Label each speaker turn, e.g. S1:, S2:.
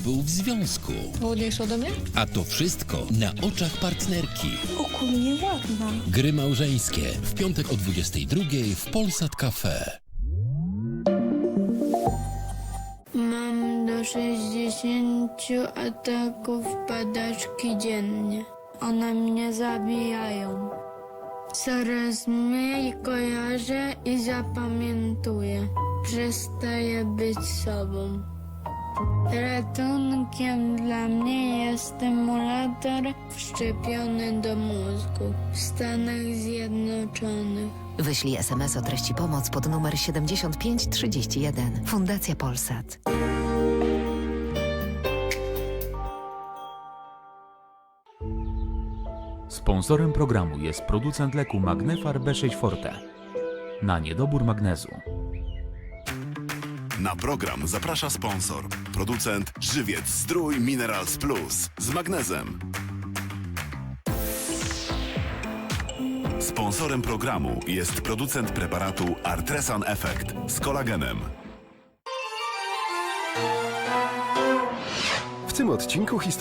S1: był w związku.
S2: Ładniejsza ode mnie?
S1: A to wszystko na oczach partnerki.
S3: Ogólnie ładna.
S1: Gry małżeńskie w piątek o 22 w Polsat Cafe.
S4: Mam do 60 ataków padaczki dziennie. One mnie zabijają. Coraz mniej kojarzę i zapamiętuję. Przestaję być sobą. Ratunkiem dla mnie jest stymulator wszczepiony do mózgu w Stanach Zjednoczonych.
S5: Wyślij SMS o treści pomoc pod numer 7531. Fundacja Polsat.
S6: Sponsorem programu jest producent leku Magnefar B6 Forte na niedobór magnezu.
S7: Na program zaprasza sponsor, producent Żywiec Zdrój Minerals Plus z magnezem. Sponsorem programu jest producent preparatu Artresan Effect z kolagenem.
S8: W tym odcinku